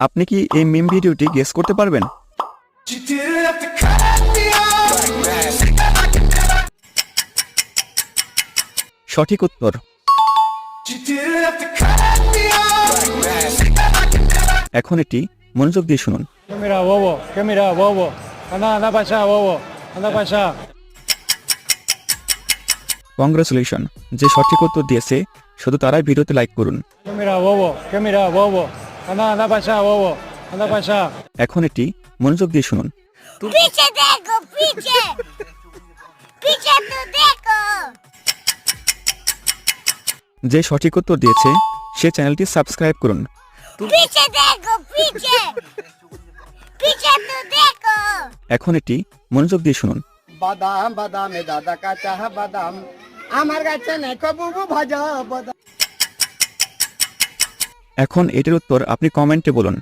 আপনি কি এই মিম ভিডিওটি গেস করতে পারবেন? সঠিক উত্তর। এখন এটি মনোযোগ দিয়ে শুনুন। ¿Qué mira, bobo? ¿Qué mira, bobo? Anda, anda para allá, bobo. Anda para allá. Congratulation, যে সঠিক উত্তর দিয়েছে শুধু তারাই ভিডিওতে লাইক করুন। ¿Qué mira, bobo? ¿Qué mira, bobo? Anda, anda para allá, bobo. Anda para allá. এখন এটি মনোযোগ দিয়ে শুনুন। पीछे देखो पीछे पीछे तो देखो যে সঠিক উত্তর দিয়েছে সে চ্যানেলটি সাবস্ক্রাইব করুন। पीछे देखो पीछे पीछे तो देखो এখন এটি মনোযোগ দিয়ে শুনুন। বাদাম বাদামে দাদা কাঁচা বাদাম আমার কাছে নেই বুবু ভাজা বাদাম। এখন এটির উত্তর আপনি কমেন্টে বলুন।